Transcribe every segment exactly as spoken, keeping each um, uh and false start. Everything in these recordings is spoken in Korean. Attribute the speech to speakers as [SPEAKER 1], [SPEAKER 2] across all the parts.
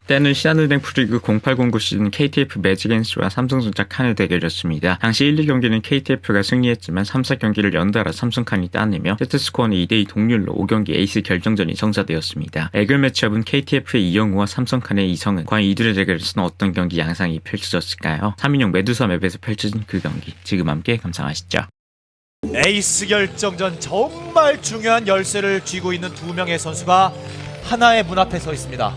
[SPEAKER 1] 때는 신한은행 프리그 공팔공구 시즌 케이티에프 매직앤스와 삼성전자 칸의 대결이었습니다. 당시 일, 이 경기는 케이티에프가 승리했지만 삼, 사 경기를 연달아 삼성칸이 따내며 세트스코어는 이 대 이 동률로 오 경기 에이스 결정전이 성사되었습니다. 애결 매치업은 케이티에프의 이영우와 삼성칸의 이성은. 과연 이들의 대결에서는 어떤 경기 양상이 펼쳐졌을까요? 삼 인용 메두사 맵에서 펼쳐진 그 경기 지금 함께 감상하시죠.
[SPEAKER 2] 에이스 결정전 정말 중요한 열쇠를 쥐고 있는 두 명의 선수가 하나의 문 앞에 서 있습니다.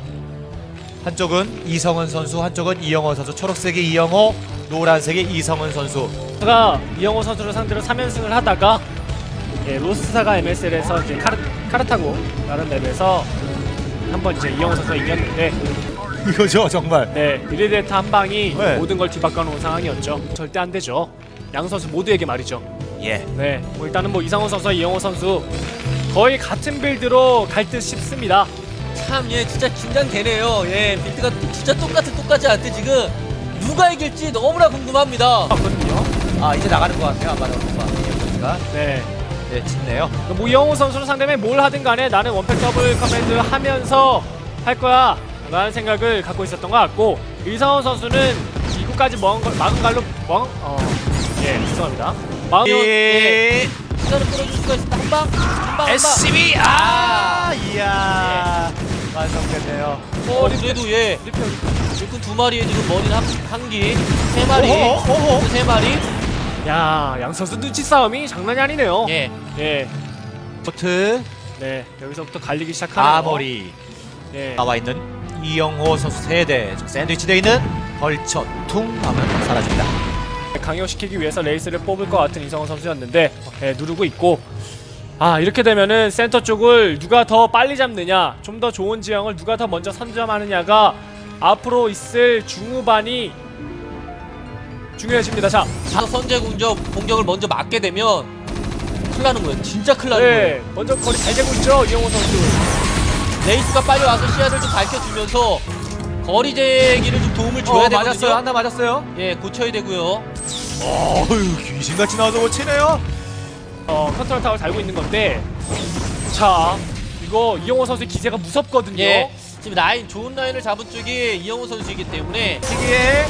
[SPEAKER 2] 한쪽은 이성은 선수, 한쪽은 이영호 선수. 초록색의 이영호, 노란색의 이성은 선수.
[SPEAKER 3] 제가 이영호 선수를 상대로 삼 연승을 하다가 예, 로스사가 엠에스엘에서 이제 카르, 카르타고 라는 맵에서 한번 이제 이영호 선수가 이겼는데
[SPEAKER 2] 이거죠 정말.
[SPEAKER 3] 네, 리레데이터 한 방이
[SPEAKER 2] 네.
[SPEAKER 3] 모든 걸 뒤바꿔 놓은 상황이었죠. 절대 안 되죠. 양 선수 모두에게 말이죠.
[SPEAKER 2] 예.
[SPEAKER 3] 네, 뭐 일단은 뭐 이상호 선수와 이영호 선수 거의 같은 빌드로 갈 듯 싶습니다.
[SPEAKER 4] 참, 예, 진짜 긴장되네요. 예, 빌드가 진짜 똑같은 똑같지 않대 지금 누가 이길지 너무나 궁금합니다.
[SPEAKER 3] 맞거든요.
[SPEAKER 2] 아 이제 나가는 것 같아요. 아마 뭔가 이영호 선수가.
[SPEAKER 3] 네,
[SPEAKER 2] 네, 짙네요.
[SPEAKER 3] 뭐 이영호 선수를 상대면 뭘 하든 간에 나는 원팩 더블 커맨드 하면서 할 거야 라는 생각을 갖고 있었던 것 같고, 이상호 선수는 이구까지 먹은 걸, 막은 갈로 멍? 어, 예, 죄송합니다. 마음
[SPEAKER 2] 예.
[SPEAKER 4] 시간을 끌어줄 수가 있습니다. 한 방, 한 방, 한 방.
[SPEAKER 2] 에스씨비. 아, 이야. 완성됐네요.
[SPEAKER 4] 어, 그래도 예, 일꾼 두 마리에 지금 머리는 한, 한 기, 세 마리,
[SPEAKER 2] 어허, 어허.
[SPEAKER 4] 세 마리.
[SPEAKER 3] 야, 양 선수 눈치 싸움이 장난이 아니네요.
[SPEAKER 4] 예,
[SPEAKER 3] 예,
[SPEAKER 2] 포트
[SPEAKER 3] 네, 여기서부터 갈리기 시작하네요.
[SPEAKER 2] 아머리
[SPEAKER 3] 예,
[SPEAKER 2] 나와 있는 이영호 선수 세대. 샌드위치 되어 있는 벌쳐 퉁 하면 사라집니다.
[SPEAKER 3] 강요시키기 위해서 레이스를 뽑을 것 같은 이성호 선수였는데 예, 누르고 있고, 아 이렇게 되면은 센터 쪽을 누가 더 빨리 잡느냐, 좀 더 좋은 지형을 누가 더 먼저 선점하느냐가 앞으로 있을 중후반이 중요해집니다. 자,
[SPEAKER 4] 자, 선제 공격 공격을 먼저 맞게 되면 큰일 나는 거예요. 진짜 큰일 나는 거예요.
[SPEAKER 3] 네, 먼저 거리 잘 재고 있죠 이영호 선수.
[SPEAKER 4] 레이스가 빨리 와서 시야를 좀 밝혀주면서 거리 제기를 좀 도움을 줘야
[SPEAKER 2] 어,
[SPEAKER 4] 되거든요.
[SPEAKER 2] 맞았어요. 하나 맞았어요.
[SPEAKER 4] 예, 고쳐야 되고요.
[SPEAKER 2] 어휴, 귀신같이 나와서 못 치네요.
[SPEAKER 3] 어, 컨트롤 타워를 달고 있는 건데, 자 이거 이영호 선수의 기세가 무섭거든요.
[SPEAKER 4] 예, 지금 라인 좋은 라인을 잡은 쪽이 이영호 선수이기 때문에
[SPEAKER 2] 시기에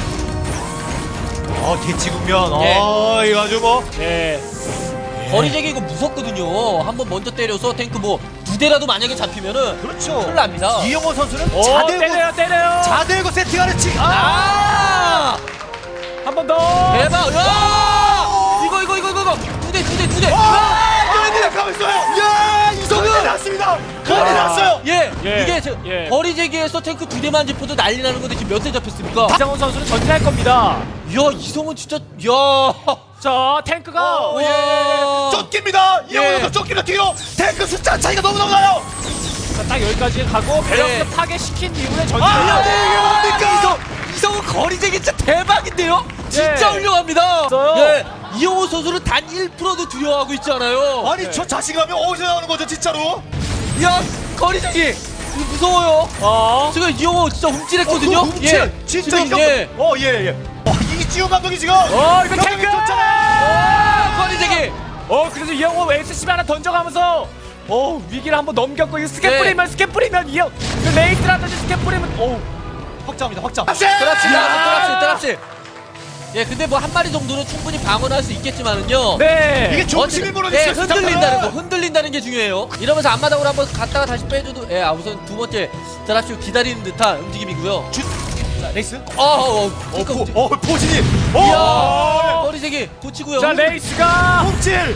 [SPEAKER 2] 어 대치 국면.
[SPEAKER 4] 예.
[SPEAKER 2] 어 이거 아주 뭐
[SPEAKER 3] 네,
[SPEAKER 4] 거리 제기 이거 무섭거든요. 한번 먼저 때려서 탱크 뭐 두 대라도 만약에 잡히면은
[SPEAKER 2] 그렇죠.
[SPEAKER 4] 큰일 납니다.
[SPEAKER 2] 이영호 선수는
[SPEAKER 3] 오,
[SPEAKER 2] 자들고
[SPEAKER 3] 때려요 때려요.
[SPEAKER 2] 자들고 세팅하는 치. 아!
[SPEAKER 4] 아!
[SPEAKER 3] 한 번 더.
[SPEAKER 4] 대박! 야! 이거 이거 이거 이거 두 대 두 대 두 대.
[SPEAKER 2] 아! 너희들 가만 있어요. 야 이성은 났습니다. 큰일 났어요.
[SPEAKER 4] 예,
[SPEAKER 3] 예,
[SPEAKER 4] 이게 저
[SPEAKER 3] 예.
[SPEAKER 4] 거리 제기에서 탱크 두 대만 짚어도 난리 나는 건데 지금 몇 대 잡혔습니까?
[SPEAKER 3] 이상호 선수는 전진할 겁니다.
[SPEAKER 4] 야, 이성은 진짜 야.
[SPEAKER 3] 자, 탱크가
[SPEAKER 2] 어, 예, 예,
[SPEAKER 4] 와.
[SPEAKER 2] 예. 쫓깁니다. 이영호
[SPEAKER 4] 예.
[SPEAKER 2] 선수 쫓깁니다. 뒤로 탱크 숫자 차이가 너무 너무 나요.
[SPEAKER 3] 자, 딱 여기까지 가고 배럭스
[SPEAKER 4] 네.
[SPEAKER 3] 파괴시킨 이후에 전진.
[SPEAKER 2] 아, 네, 이게 뭡니까?
[SPEAKER 4] 이성 이성은 거리 제기 진짜 대박인데요? 진짜
[SPEAKER 3] 예.
[SPEAKER 4] 훌륭합니다.
[SPEAKER 3] 있어요.
[SPEAKER 4] 예. 이영호 선수는 단 일 퍼센트도 두려워하고 있지 않아요.
[SPEAKER 2] 아니
[SPEAKER 3] 네.
[SPEAKER 2] 저 자신감이 어디서 나오는 거죠 진짜로?
[SPEAKER 4] 야, 거리 제기 이거 무서워요.
[SPEAKER 3] 어.
[SPEAKER 4] 지금 이영호 진짜 훔칠했거든요.
[SPEAKER 2] 어, 훔칠. 진짜
[SPEAKER 4] 지금,
[SPEAKER 2] 이거.
[SPEAKER 4] 예.
[SPEAKER 2] 어, 예, 예. 어, 이지훈 감독이 지금.
[SPEAKER 3] 어, 이거
[SPEAKER 2] 경기에
[SPEAKER 3] 탱크!
[SPEAKER 2] 쫓잖아요.
[SPEAKER 4] 거리 제기.
[SPEAKER 3] 어, 그래서 이영호 에스씨비 하나 던져가면서 어, 위기를 한번 넘겼고, 이거 스캡
[SPEAKER 4] 네.
[SPEAKER 3] 뿌리면 스캡 뿌리면 이영 그 레이스라든지 스캡 뿌리면 어.
[SPEAKER 2] 확장합니다. 확장.
[SPEAKER 4] 드랍십니다. 드랍십, 드랍십. 예, 근데 뭐 한 마리 정도는 충분히 방어를 할 수 있겠지만은요.
[SPEAKER 3] 네.
[SPEAKER 2] 이게 중심이
[SPEAKER 4] 어쨌든,
[SPEAKER 2] 무너졌어요.
[SPEAKER 4] 예, 흔들린다는 거, 흔들린다는 게 중요해요. 이러면서 앞마당으로 한번 갔다가 다시 빼줘도, 예, 아, 우선 두 번째 드랍십 기다리는 듯한 움직임이고요.
[SPEAKER 2] 주... 자, 레이스.
[SPEAKER 4] 어, 어, 어,
[SPEAKER 2] 어,
[SPEAKER 4] 어,
[SPEAKER 2] 포, 어, 포진이.
[SPEAKER 4] 이야,
[SPEAKER 2] 어,
[SPEAKER 4] 머리 세기 고치고요.
[SPEAKER 3] 자, 레이스가
[SPEAKER 2] 홈질.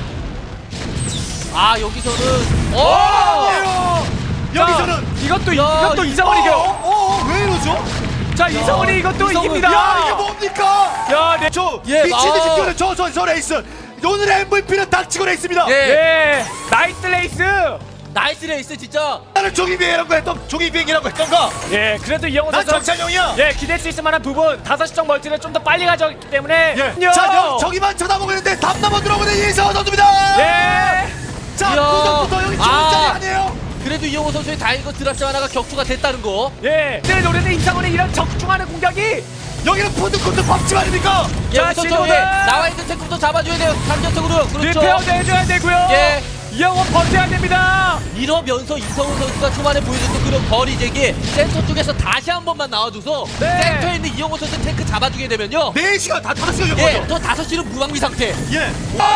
[SPEAKER 4] 아, 여기서는,
[SPEAKER 2] 어,
[SPEAKER 4] 어,
[SPEAKER 2] 아니에요. 여기서는.
[SPEAKER 3] 자, 이것도
[SPEAKER 4] 야,
[SPEAKER 3] 이것도
[SPEAKER 4] 이-
[SPEAKER 3] 이상원이 이겨.
[SPEAKER 2] 어, 어, 어, 왜 이러죠?
[SPEAKER 3] 자, 이상원이 이것도
[SPEAKER 4] 이상원.
[SPEAKER 3] 이깁니다.
[SPEAKER 2] 야, 이게 뭡니까?
[SPEAKER 3] 야, 네.
[SPEAKER 2] 저
[SPEAKER 4] 예,
[SPEAKER 2] 미치듯이
[SPEAKER 4] 아.
[SPEAKER 2] 뛰어는 저, 저, 저 레이스. 오늘의 엠브이피는 닥치고 레이스입니다.
[SPEAKER 4] 예,
[SPEAKER 3] 예. 나이스 레이스.
[SPEAKER 4] 나이스 레이스 진짜.
[SPEAKER 2] 나는 종이 비행이라고 했던 종이 비행이라고 했던가.
[SPEAKER 3] 예, 그래도 이영호
[SPEAKER 2] 난
[SPEAKER 3] 선수
[SPEAKER 2] 정찬용이야.
[SPEAKER 3] 예, 기댈 수 있을 만한 부분 다섯 시 정 멀티를 좀 더 빨리 가져왔기 때문에
[SPEAKER 2] 예. 자, 여, 저기만 쳐다보고 있는데 답 넘어 들어오는 이성호 선수입니다.
[SPEAKER 3] 예.
[SPEAKER 2] 자,
[SPEAKER 4] 이야.
[SPEAKER 2] 구석부터 여기 좋은
[SPEAKER 4] 아.
[SPEAKER 2] 자리 아니에요?
[SPEAKER 4] 그래도 이영호 선수의 다행인 건 드랍십 하나가 격투가 됐다는 거.
[SPEAKER 3] 예. 늘 노래는 이상원의 이런 적중하는 공격이
[SPEAKER 2] 여기는 푸드코트 밥집 아닙니까?
[SPEAKER 4] 예,
[SPEAKER 3] 자,
[SPEAKER 4] 우선
[SPEAKER 3] 신호등!
[SPEAKER 4] 저기 나와 있는 탱크부터 잡아줘야 돼요. 감정적으로. 그렇죠.
[SPEAKER 3] 리페어도 해줘야 되고요.
[SPEAKER 4] 예,
[SPEAKER 3] 이영호 버텨야 됩니다.
[SPEAKER 4] 이러면서 이성훈 선수가 초반에 보여줬던 그런 거리 제기 센터 쪽에서 다시 한 번만 나와줘서
[SPEAKER 3] 네.
[SPEAKER 4] 센터에 있는 이영호 선수 탱크 잡아주게 되면요.
[SPEAKER 2] 네 시간 다 다섯 시간
[SPEAKER 4] 예,
[SPEAKER 2] 정도.
[SPEAKER 4] 저 다섯 시는 무방비 상태.
[SPEAKER 2] 예.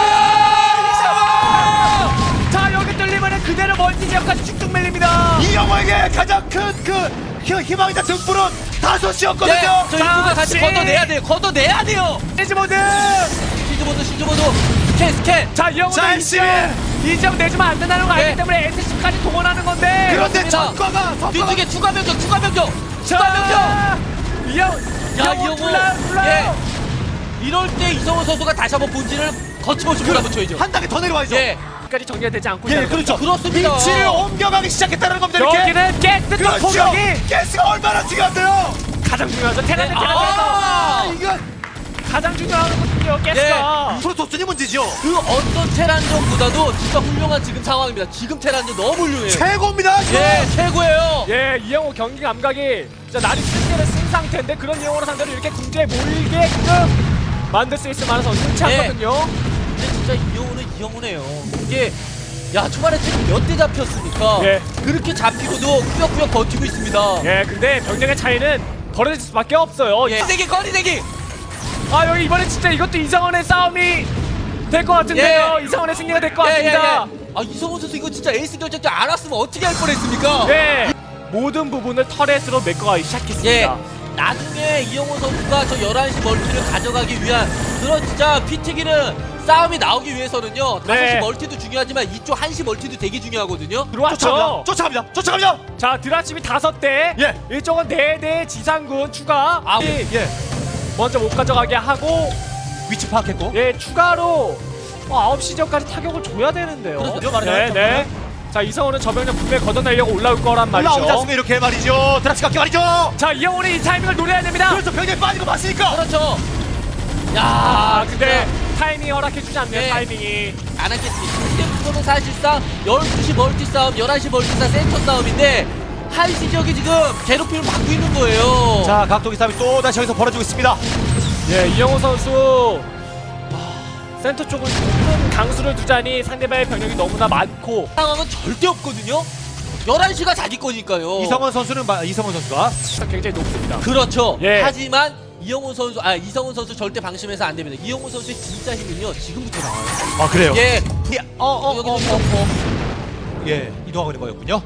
[SPEAKER 3] 자 여기 뚫리면 그대로 멀티 지역까지 쭉쭉 밀립니다.
[SPEAKER 2] 이영호에게 가장 큰그 희망이자 등불은 다섯 시였거든요.
[SPEAKER 4] 네, 저희
[SPEAKER 3] 자,
[SPEAKER 4] 누가 같이
[SPEAKER 3] 씨.
[SPEAKER 4] 걷어내야 돼요. 걷어내야 돼요.
[SPEAKER 3] 시즈모드.
[SPEAKER 4] 시즈모드, 시즈모드, 스캔, 스캔.
[SPEAKER 3] 자 이영호도
[SPEAKER 2] 자,
[SPEAKER 3] 이점 이점 내주면 안 된다는 거 알기
[SPEAKER 4] 네.
[SPEAKER 3] 때문에 에스씨까지 동원하는 건데.
[SPEAKER 2] 그런데
[SPEAKER 4] 그렇습니다.
[SPEAKER 2] 전과가 전과가
[SPEAKER 4] 뒤쪽에 추가 병력, 추가 병력, 추가 병력.
[SPEAKER 3] 자 이영
[SPEAKER 4] 야,
[SPEAKER 3] 이영호
[SPEAKER 4] 이영호.
[SPEAKER 3] 불러요 불러요.
[SPEAKER 4] 예. 이럴 때 이성훈 선수가 다시 한번 본진을 거침없이 몰아붙여야죠.
[SPEAKER 2] 한 단계 더 내려와야죠.
[SPEAKER 4] 예,
[SPEAKER 3] 까지 정리가 되지 않고
[SPEAKER 2] 예,
[SPEAKER 3] 있다는
[SPEAKER 2] 그렇죠.
[SPEAKER 4] 그렇습니다.
[SPEAKER 2] 위치를 옮겨가기 시작했다는 겁니다. 이렇게.
[SPEAKER 3] 여기는 깨끗한
[SPEAKER 2] 그렇죠.
[SPEAKER 3] 포격이
[SPEAKER 2] 가스가 얼마나 중요한데요.
[SPEAKER 3] 가장 중요하죠. 테란의
[SPEAKER 4] 네.
[SPEAKER 3] 테란에서
[SPEAKER 2] 아, 이건
[SPEAKER 3] 가장 중요한 거거든요. 가스가.
[SPEAKER 2] 프로토스니 문제죠.
[SPEAKER 4] 그 어떤 테란전보다도 진짜 훌륭한 지금 상황입니다. 지금 테란전 너무 훌륭해요.
[SPEAKER 2] 최고입니다. 지금.
[SPEAKER 4] 예, 최고예요.
[SPEAKER 3] 예, 이영호 경기 감각이 진짜 날이 승리를 쓴 상태인데 그런 이영호를 상대로 이렇게 궁지에 몰게끔 만들 수 있을 만한 선수는 않거든요.
[SPEAKER 4] 근데 진짜 이영호는 이영호네요. 이게 야 초반에 지금 몇 대 잡혔습니까?
[SPEAKER 3] 예.
[SPEAKER 4] 그렇게 잡히고도 꾸역꾸역 버티고 있습니다.
[SPEAKER 3] 예, 근데 병력의 차이는 벌어질 수밖에 없어요.
[SPEAKER 4] 예. 거리대기 거리대기.
[SPEAKER 3] 아 여기 이번에 진짜 이것도 이상원의 싸움이 될 것 같은데요.
[SPEAKER 4] 예.
[SPEAKER 3] 이상원의 승리가 될 것
[SPEAKER 4] 예, 예,
[SPEAKER 3] 같습니다.
[SPEAKER 4] 예. 아 이성훈 선수 이거 진짜 에이스 결정전 안 왔으면 어떻게 할 뻔했습니까?
[SPEAKER 3] 예. 모든 부분을 터렛으로 메꿔가기 시작했습니다.
[SPEAKER 4] 예. 나중에 이영호 선수가 저 열한 시 멀티를 가져가기 위한 그런 진짜 피튀기는 싸움이 나오기 위해서는요. 다섯 시
[SPEAKER 3] 네.
[SPEAKER 4] 멀티도 중요하지만 이쪽 한 시 멀티도 되게 중요하거든요.
[SPEAKER 3] 들어왔죠.
[SPEAKER 2] 쫓아갑니다. 쫓아갑니다.
[SPEAKER 3] 자 드라칩이 다섯 대,
[SPEAKER 2] 예.
[SPEAKER 3] 이쪽은 네 대 지상군 추가.
[SPEAKER 4] 아,
[SPEAKER 3] 이
[SPEAKER 2] 예.
[SPEAKER 3] 먼저 못 가져가게 하고,
[SPEAKER 2] 위치 파악했고.
[SPEAKER 3] 예 추가로 어, 아홉 시 전까지 타격을 줘야 되는데요.
[SPEAKER 4] 그렇죠.
[SPEAKER 3] 네, 네. 자 이성훈은 저 병력 분명히 걷어내려고 올라올 거란
[SPEAKER 2] 올라오지
[SPEAKER 3] 말이죠.
[SPEAKER 2] 않습니까? 이렇게 말이죠. 드랍시 각기 말이죠.
[SPEAKER 3] 자 이영훈이 이 타이밍을 노려야 됩니다.
[SPEAKER 2] 그래서 병력이 빠지고 맞으니까.
[SPEAKER 4] 그렇죠. 야,
[SPEAKER 3] 아 근데
[SPEAKER 4] 진짜
[SPEAKER 3] 타이밍이 허락해주지 않네요.
[SPEAKER 4] 네.
[SPEAKER 3] 타이밍이.
[SPEAKER 4] 안 하겠습니다. 근데 그거는 사실상 열두 시 멀티 싸움, 열한 시 멀티 싸움, 센터 싸움인데 한 시 지역이 지금 괴롭힘을 받고 있는 거예요.
[SPEAKER 2] 자, 각도기 싸움이 또 다시 여기서 벌어지고 있습니다.
[SPEAKER 3] 예 이영호 선수 아, 센터 쪽을 큰 강수를 두자니 상대방의 병력이 너무나 많고
[SPEAKER 4] 상황은 절대 없거든요. 열한 시가 자기 거니까요.
[SPEAKER 2] 이성원 선수는 마- 이성원 선수가
[SPEAKER 3] 굉장히 높습니다.
[SPEAKER 4] 그렇죠.
[SPEAKER 3] 예.
[SPEAKER 4] 하지만 이영호 선수, 아 이성훈 선수 절대 방심해서 안 됩니다. 이영호 선수의 진짜 힘은요 지금부터 나와요.
[SPEAKER 2] 아 그래요.
[SPEAKER 4] 예,
[SPEAKER 2] 어어어
[SPEAKER 4] 여기도
[SPEAKER 2] 어, 어,
[SPEAKER 4] 이렇고.
[SPEAKER 2] 예, 이동하고 있는 거였군요.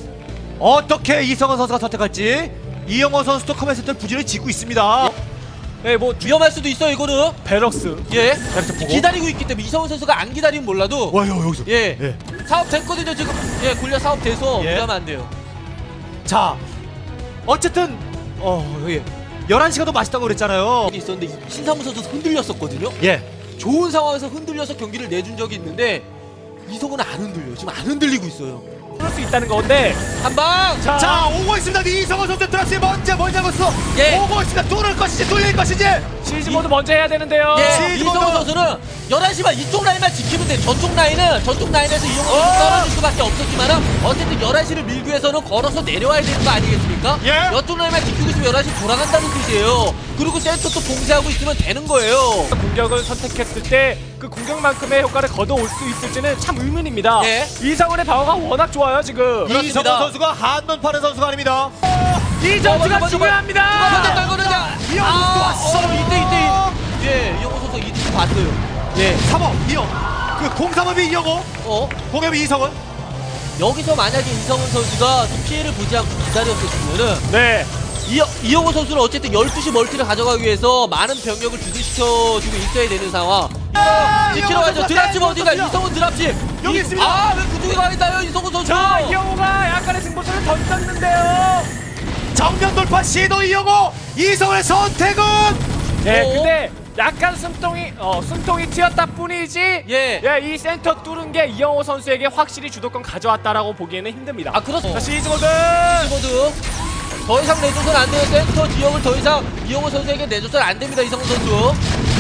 [SPEAKER 2] 어떻게 이성원 선수가 선택할지 이영원 선수도 커맨 센터를 부지런히 짓고 있습니다.
[SPEAKER 3] 예, 뭐
[SPEAKER 4] 위험할 수도 있어요 이거는.
[SPEAKER 3] 베럭스.
[SPEAKER 4] 예,
[SPEAKER 2] 베럭스 보고.
[SPEAKER 4] 기다리고 있기 때문에 이성훈 선수가 안 기다리면 몰라도
[SPEAKER 2] 와요 여기서.
[SPEAKER 4] 예,
[SPEAKER 2] 예.
[SPEAKER 4] 사업 됐거든요 지금. 예, 골리앗 사업 돼서
[SPEAKER 2] 예.
[SPEAKER 4] 무리하면 안 돼요.
[SPEAKER 2] 자, 어쨌든 어 예. 열한 시가 더 맛있다고 그랬잖아요.
[SPEAKER 4] 있었는데 신상무 선수 흔들렸었거든요.
[SPEAKER 2] 예.
[SPEAKER 4] 좋은 상황에서 흔들려서 경기를 내준 적이 있는데 이성훈은 안 흔들려요. 지금 안 흔들리고 있어요.
[SPEAKER 3] 그럴 수 있다는 건데.
[SPEAKER 4] 한 방.
[SPEAKER 3] 자,
[SPEAKER 2] 자, 오고 있습니다. 이성원 선수 드랍시 먼저 뭘 잡았어?
[SPEAKER 4] 예.
[SPEAKER 2] 오고 있습니다. 뚫을 것인지 뚫릴 것인지.
[SPEAKER 3] 시즈 모드 먼저 해야 되는데요.
[SPEAKER 4] 예,
[SPEAKER 2] 시즈모드.
[SPEAKER 4] 이성훈 선수는 열한 시만 이쪽 라인만 지키면 돼. 저쪽 라인은 저쪽 라인에서 이용훈 선수 떨어질 수밖에 없었지만 어쨌든 열한 시를 밀기 위해서는 걸어서 내려와야 되는 거 아니겠습니까?
[SPEAKER 2] 예.
[SPEAKER 4] 이쪽 라인만 지키고 있으면 열한 시 돌아간다는 뜻이에요. 그리고 센터 또 봉쇄하고 있으면 되는 거예요.
[SPEAKER 3] 공격을 선택했을 때 그 공격만큼의 효과를 거둬올 수 있을지는 참 의문입니다.
[SPEAKER 4] 예.
[SPEAKER 3] 이상훈의 방어가 워낙 좋아요 지금.
[SPEAKER 4] 그렇습니다.
[SPEAKER 2] 이성원 선수가 한번 파는 선수가 아닙니다.
[SPEAKER 3] 이
[SPEAKER 4] 어,
[SPEAKER 3] 점수가
[SPEAKER 4] 먼저, 먼저,
[SPEAKER 3] 중요합니다.
[SPEAKER 4] 현재 떨거든요.
[SPEAKER 2] 이영훈 선수 왔어.
[SPEAKER 4] 어, 이때 이때. 예, 이영훈 선수 이때 봤어요. 예.
[SPEAKER 2] 삼 호, 이 호. 그 공삼업이 이영호,
[SPEAKER 4] 어?
[SPEAKER 2] 공업이 이성원.
[SPEAKER 4] 여기서 만약에 이성훈 선수가 좀 피해를 보지 않고 기다렸었으면은
[SPEAKER 3] 네.
[SPEAKER 4] 이, 이영호 선수는 어쨌든 열두 시 멀티를 가져가기 위해서 많은 병력을 주둔시켜주고 있어야 되는 상황. 지키러
[SPEAKER 2] 이영호
[SPEAKER 4] 가죠.
[SPEAKER 2] 선수가
[SPEAKER 4] 드랍십 어디가?
[SPEAKER 2] 선수야.
[SPEAKER 4] 이성훈 드랍십.
[SPEAKER 2] 여기
[SPEAKER 4] 이-
[SPEAKER 2] 있습니다.
[SPEAKER 4] 아, 왜 그쪽에 가 있나요? 이성훈 선수.
[SPEAKER 3] 자 이영호가 약간의 승부수를 던졌는데요.
[SPEAKER 2] 정면 돌파 시도 이영호, 이성원의 선택은
[SPEAKER 3] 네,
[SPEAKER 4] 어?
[SPEAKER 3] 근데 약간 숨통이 어 숨통이 튀었다 뿐이지.
[SPEAKER 4] 예.
[SPEAKER 3] 예, 이 센터 뚫은 게 이영호 선수에게 확실히 주도권 가져왔다라고 보기에는 힘듭니다.
[SPEAKER 4] 아, 그렇습니다.
[SPEAKER 3] 자 시즈 모드.
[SPEAKER 4] 모두 더 이상 내줘서는 안 돼요. 센터 지역을 더 이상 이영호 선수에게 내줘서는 안 됩니다. 이성훈 선수.